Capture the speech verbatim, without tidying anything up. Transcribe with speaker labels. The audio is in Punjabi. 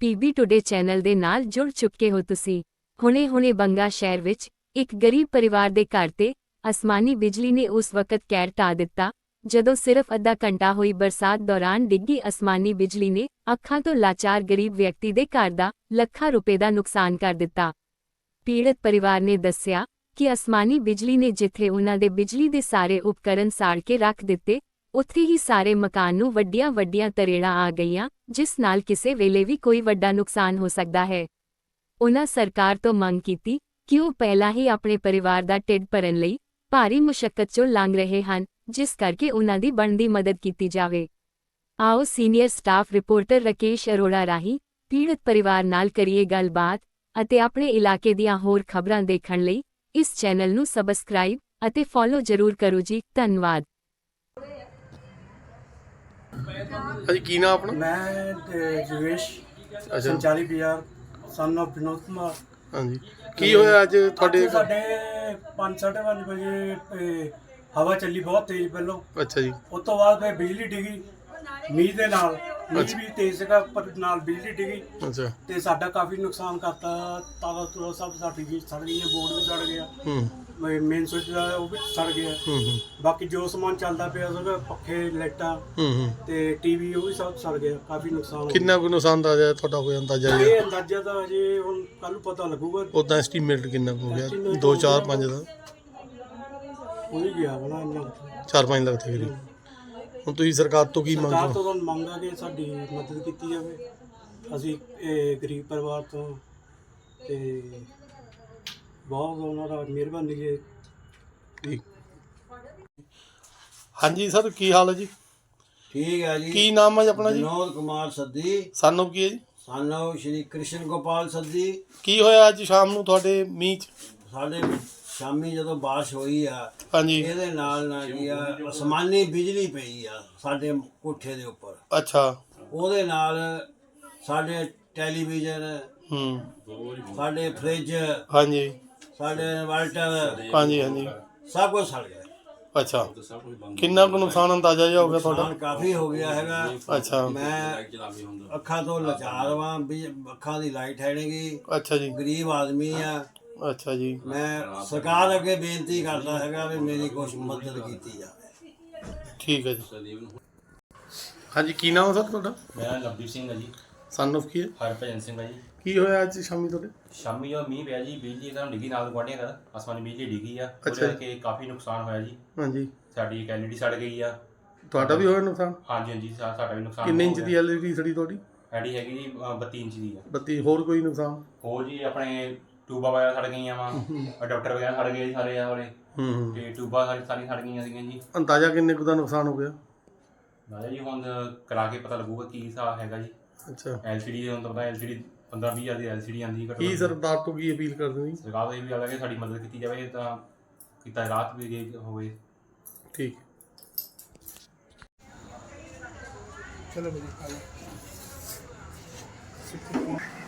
Speaker 1: ਪੀਬੀ ਟੁਡੇ ਚੈਨਲ ਦੇ ਨਾਲ ਜੁੜ ਚੁੱਕੇ ਹੋ ਤੁਸੀਂ। ਹੁਣੇ-ਹੁਣੇ ਬੰਗਾ ਸ਼ਹਿਰ ਵਿੱਚ ਇੱਕ ਗਰੀਬ ਪਰਿਵਾਰ ਦੇ ਘਰ ਤੇ ਅਸਮਾਨੀ ਬਿਜਲੀ ਨੇ ਉਸ ਵਕਤ ਕਹਿਰ ਢਾ ਦਿੱਤਾ ਜਦੋਂ ਸਿਰਫ ਅੱਧਾ ਘੰਟਾ ਹੋਈ ਬਰਸਾਤ ਦੌਰਾਨ ਡਿੱਗੀ ਅਸਮਾਨੀ ਬਿਜਲੀ ਨੇ ਅੱਖਾਂ ਤੋਂ ਲਾਚਾਰ ਗਰੀਬ ਵਿਅਕਤੀ ਦੇ ਘਰ ਦਾ ਲੱਖਾਂ ਰੁਪਏ ਦਾ ਨੁਕਸਾਨ ਕਰ ਦਿੱਤਾ। ਪੀੜਤ ਪਰਿਵਾਰ ਨੇ ਦੱਸਿਆ ਕਿ ਅਸਮਾਨੀ ਬਿਜਲੀ ਨੇ ਜਿੱਥੇ ਉਨ੍ਹਾਂ ਦੇ ਬਿਜਲੀ ਦੇ ਸਾਰੇ ਉਪਕਰਨ ਸਾੜ ਕੇ ਰੱਖ ਦਿੱਤੇ, ਉੱਥੇ ਹੀ ਸਾਰੇ ਮਕਾਨ ਨੂੰ ਵੱਡੀਆਂ-ਵੱਡੀਆਂ ਤਰੇੜਾਂ ਆ ਗਈਆਂ, ਜਿਸ ਨਾਲ ਕਿਸੇ ਵੇਲੇ ਵੀ ਕੋਈ ਵੱਡਾ ਨੁਕਸਾਨ ਹੋ ਸਕਦਾ ਹੈ। ਉਨ੍ਹਾਂ ਸਰਕਾਰ ਤੋਂ ਮੰਗ ਕੀਤੀ ਕਿ ਉਹ ਪਹਿਲਾਂ ਹੀ ਆਪਣੇ ਪਰਿਵਾਰ ਦਾ ਢਿੱਡ ਭਰਨ ਲਈ ਭਾਰੀ ਮੁਸ਼ੱਕਤ ਚੋਂ ਲੰਘ ਰਹੇ ਹਨ, ਜਿਸ ਕਰਕੇ ਉਨ੍ਹਾਂ ਦੀ ਬਣਦੀ ਮਦਦ ਕੀਤੀ ਜਾਵੇ। ਆਓ senior staff reporter Rakesh Arora ਰਾਹੀਂ ਪੀੜਤ ਪਰਿਵਾਰ ਨਾਲ ਕਰੀਏ ਗੱਲਬਾਤ ਅਤੇ ਆਪਣੇ ਇਲਾਕੇ ਦੀਆਂ ਹੋਰ ਖਬਰਾਂ ਦੇਖਣ ਲਈ ਇਸ ਚੈਨਲ ਨੂੰ ਸਬਸਕ੍ਰਾਈਬ ਅਤੇ ਫੋਲੋ ਜ਼ਰੂਰ ਕਰੋ ਜੀ। ਧੰਨਵਾਦ।
Speaker 2: ਹਾਂਜੀ, ਕੀ ਨਾਮ ਆਪਣਾ?
Speaker 3: ਮੈਂ ਤੇ ਜਵੇਸ਼ ਸੰਚਾਰੀ ਬਾਜ਼ਾਰ ਸਨ ਆਫ ਵਿਨੋਦ ਕੁਮਾਰ।
Speaker 2: ਹਾਂਜੀ, ਕੀ ਹੋਇਆ ਅੱਜ ਤੁਹਾਡੇ?
Speaker 3: ਅੱਜ ਸਾਡੇ ਪੰਜ ਸਾਢੇ ਪੰਜ ਵਜੇ ਇਹ ਹਵਾ ਚੱਲੀ ਬਹੁਤ ਤੇਜ਼ ਪਹਿਲੋਂ।
Speaker 2: ਅੱਛਾ ਜੀ।
Speaker 3: ਉਸ ਤੋਂ ਬਾਅਦ ਫਿਰ ਬਿਜਲੀ ਡਿੱਗੀ ਮੀਂਹ ਦੇ ਨਾਲ। ਮੀਂਹ ਵੀ ਤੇਜ਼ ਸੀਗਾ ਪਰ ਨਾਲ ਬਿਜਲੀ ਡਿੱਗੀ
Speaker 2: ਅੱਛਾ।
Speaker 3: ਤੇ ਸਾਡਾ ਕਾਫੀ ਨੁਕਸਾਨ ਕਰਤਾ। ਤਾਲਾ ਤੁਲਾ ਸਭ ਸਾਡੀ ਵੀ ਸੜ ਗਈਆਂ, ਬੋਰਡ ਵੀ ਸੜ ਗਿਆ,
Speaker 2: ਹੂੰ
Speaker 3: ਮੇਨ ਸੁੱਚ ਦਾ ਉਹ ਵੀ ਸੜ ਗਿਆ।
Speaker 2: ਹੂੰ ਹੂੰ
Speaker 3: ਬਾਕੀ ਜੋ ਸਮਾਨ ਚੱਲਦਾ ਪਿਆ ਸੀਗਾ, ਪੱਖੇ, ਲਾਈਟਾਂ
Speaker 2: ਹੂੰ ਹੂੰ
Speaker 3: ਤੇ ਟੀਵੀ, ਉਹ ਵੀ ਸਭ ਸੜ ਗਿਆ। ਕਾਫੀ ਨੁਕਸਾਨ ਹੋ
Speaker 2: ਕਿੰਨਾ ਕੁ ਨੁਕਸਾਨ ਦਾ ਆਇਆ ਤੁਹਾਡਾ ਹੋਇਆ ਅੰਦਾਜ਼ਾ?
Speaker 3: ਗਿਆ। ਇਹ ਅੰਦਾਜ਼ਾ ਤਾਂ ਅਜੇ ਹੁਣ ਕੱਲ ਨੂੰ ਪਤਾ ਲੱਗੂਗਾ।
Speaker 2: ਉਦਾਂ ਐਸਟੀਮੇਟ ਕਿੰਨਾ ਕੁ ਹੋ ਗਿਆ? ਦੋ ਚਾਰ ਪੰਜ ਦਾ
Speaker 3: ਹੋ ਹੀ ਗਿਆ ਬਣਾ ਇੰਨਾ।
Speaker 2: ਚਾਰ ਪੰਜ ਲੱਖ ਦੇ ਕਰੀਬ। ਹੁਣ ਤੁਸੀਂ ਸਰਕਾਰ ਤੋਂ ਕੀ
Speaker 3: ਸਰਕਾਰ
Speaker 2: ਮੰਗ?
Speaker 3: ਤੋਂ ਤਾਂ ਮੰਗ ਆ ਕਿ ਸਾਡੀ ਮਦਦ ਕੀਤੀ ਜਾਵੇ। ਅਸੀਂ ਇਹ ਗਰੀਬ ਪਰਿਵਾਰ ਤੋਂ ਤੇ ਬਹੁਤ ਉਹਨਾਂ ਦਾ ਮਿਹਰਬਾਨੀ ਜੀ।
Speaker 2: ਠੀਕ। ਹਾਂਜੀ ਸਰ, ਕੀ ਹਾਲ ਹੈ ਜੀ?
Speaker 4: ਠੀਕ ਹੈ ਜੀ।
Speaker 2: ਕੀ ਨਾਮ ਹੈ ਜੀ ਆਪਣਾ? ਜੀ
Speaker 4: ਵਿਨੋਦ ਕੁਮਾਰ ਸੱਦੀ,
Speaker 2: ਸਾਨੂੰ ਕੀ ਹੈ ਜੀ?
Speaker 4: ਸਾਨੂੰ ਸ਼੍ਰੀ ਕ੍ਰਿਸ਼ਨ ਗੋਪਾਲ ਸੱਦੀ।
Speaker 2: ਕੀ ਹੋਇਆ ਅੱਜ ਸ਼ਾਮ ਨੂੰ ਤੁਹਾਡੇ ਮੀਂਹ 'ਚ?
Speaker 4: ਸਾਡੇ ਸ਼ਾਮੀ ਜਦੋਂ ਬਾਰਿਸ਼ ਹੋਈ ਆ,
Speaker 2: ਹਾਂਜੀ।
Speaker 4: ਇਹਦੇ ਨਾਲ ਨਾ ਕੀ ਆ, ਅਸਮਾਨੀ ਬਿਜਲੀ ਪਈ ਆ ਸਾਡੇ ਕੋਠੇ ਦੇ ਉੱਪਰ।
Speaker 2: ਅੱਛਾ।
Speaker 4: ਉਹਦੇ ਨਾਲ ਸਾਡੇ ਟੈਲੀਵਿਜ਼ਨ,
Speaker 2: ਹੂੰ।
Speaker 4: ਸਾਡੇ ਫ੍ਰਿਜ,
Speaker 2: ਹਾਂਜੀ
Speaker 4: ਸਾਡੇ ਇਨਵਰਟਰ,
Speaker 2: ਹਾਂਜੀ ਹਾਂਜੀ।
Speaker 4: ਸਭ ਕੁਝ ਸੜ ਗਿਆ।
Speaker 2: ਅੱਛਾ, ਕਿੰਨਾ ਕੁ ਨੁਕਸਾਨ ਅੰਦਾਜ਼ਾ ਜਿਹਾ ਹੋ ਗਿਆ ਤੁਹਾਡਾ?
Speaker 4: ਨੁਕਸਾਨ ਕਾਫੀ ਹੋ ਗਿਆ ਹੈਗਾ।
Speaker 2: ਅੱਛਾ।
Speaker 4: ਮੈਂ ਅੱਖਾਂ ਤੋਂ ਲਾਚਾਰ ਵਾਂ, ਵੀ ਅੱਖਾਂ ਦੀ ਲਾਈਟ ਹੈ ਨੀ ਗੀ,
Speaker 2: ਅੱਛਾ ਜੀ।
Speaker 4: ਗਰੀਬ ਆਦਮੀ ਆ।
Speaker 2: ਅੱਛਾ ਜੀ।
Speaker 4: ਮੈਂ ਸਰਕਾਰ ਅੱਗੇ ਬੇਨਤੀ ਕਰਦਾ ਹੈਗਾ ਵੀ ਮੇਰੀ ਕੁਛ ਮਦਦ ਕੀਤੀ ਜਾਵੇ।
Speaker 2: ਠੀਕ ਹੈ ਜੀ। ਹਾਂਜੀ, ਕੀ ਨਾਮ ਹੈ ਸਰ ਤੁਹਾਡਾ?
Speaker 5: ਮੇਰਾ ਲਵਦੀਪ ਸਿੰਘ ਹੈ ਜੀ।
Speaker 2: ਸਨ ਆਫ ਕੀ ਹੈ?
Speaker 5: ਹਰਭਜਨ ਸਿੰਘ ਹੈ ਜੀ।
Speaker 2: ਕੀ ਹੋਇਆ ਅੱਜ ਸ਼ਾਮੀ ਤੁਹਾਡੇ?
Speaker 5: ਸ਼ਾਮੀ ਜਦੋਂ ਮੀਂਹ ਪਿਆ ਜੀ, ਬਿਜਲੀ ਇੱਕਦਮ ਡਿੱਗੀ, ਨਾਲ ਗੁਆਂਢੀਆਂ ਦਾ ਅਸਮਾਨੀ ਬਿਜਲੀ ਡਿੱਗੀ ਆ। ਉਹਦੇ
Speaker 2: ਅੱਛਾ।
Speaker 5: ਕਰਕੇ ਕਾਫੀ ਨੁਕਸਾਨ ਹੋਇਆ ਜੀ।
Speaker 2: ਹਾਂਜੀ।
Speaker 5: ਸਾਡੀ ਇੱਕ ਐਲ ਈ ਡੀ ਸੜ ਗਈ ਆ।
Speaker 2: ਤੁਹਾਡਾ ਵੀ ਹੋਇਆ ਨੁਕਸਾਨ?
Speaker 5: ਹਾਂਜੀ ਹਾਂਜੀ, ਸਾ- ਸਾਡਾ ਵੀ ਨੁਕਸਾਨ
Speaker 2: ਕਿੰਨੇ
Speaker 5: ਹੋ
Speaker 2: ਇੰਚ ਦੀ
Speaker 5: ਗਿਆ।
Speaker 2: ਐਲ ਈ ਡੀ ਸੜੀ ਤੁਹਾਡੀ?
Speaker 5: ਐਲ ਈ ਡੀ ਹੈਗੀ ਜੀ ਅ, ਬੱਤੀ ਇੰਚ ਦੀ ਆ।
Speaker 2: ਬੱਤੀ। ਹੋਰ ਕੋਈ ਨੁਕਸਾਨ?
Speaker 5: ਹੋਰ ਜੀ ਆਪਣੇ ਟਿਊਬਾਂ ਵਗੈਰਾ ਸੜ ਗਈਆਂ ਵਾ, ਅਡਾਪਟਰ ਵਗੈਰਾ ਸੜ ਗਏ ਜੀ ਸਾਰੇ ਆ ਵਾਲੇ,
Speaker 2: ਹੂੰ ਹੂੰ।
Speaker 5: ਤੇ ਟਿਊਬਾਂ ਸਾਰੀ ਸਾਰੀਆਂ ਸੜ ਗਈਆਂ ਸੀਗੀਆਂ ਜੀ।
Speaker 2: ਅੰਦਾਜ਼ਾ ਕਿੰਨੇ ਕੁ ਦਾ ਨੁਕਸਾਨ ਹੋ ਗਿਆ?
Speaker 5: ਨਾਲੇ ਜੀ ਹੁਣ ਕਰਾ ਕੇ ਪਤਾ ਲੱਗੂਗਾ ਕੀ ਹਿਸਾਬ ਹੈਗਾ ਜੀ।
Speaker 2: ਅੱਛਾ।
Speaker 5: ਐਲ ਸੀ ਡੀ ਹੁਣ ਤਾਂ ਪਤਾ ਐਲ ਸੀ ਡੀ ਪੰਦਰਾਂ ਵੀਹ ਹਜ਼ਾਰ ਦੀ ਐਲ ਸੀ ਡੀ ਆਉਂਦੀ ਘੱਟੋ
Speaker 2: ਕੀ
Speaker 5: ਘੱਟ।
Speaker 2: ਸਰਕਾਰ ਤੋਂ ਕੀ ਅਪੀਲ ਕਰਦੇ ਹੋ ਜੀ?
Speaker 5: ਸਰਕਾਰ ਤੋਂ ਇਹ ਵੀ ਗੱਲ ਹੈ ਕਿ ਸਾਡੀ ਮਦਦ ਕੀਤੀ ਜਾਵੇ ਤਾਂ ਕੀਤਾ ਰਾਹਤ ਵੀ ਜੇ ਹੋਵੇ।
Speaker 2: ਠੀਕ।
Speaker 3: ਚਲੋ ਬਈ।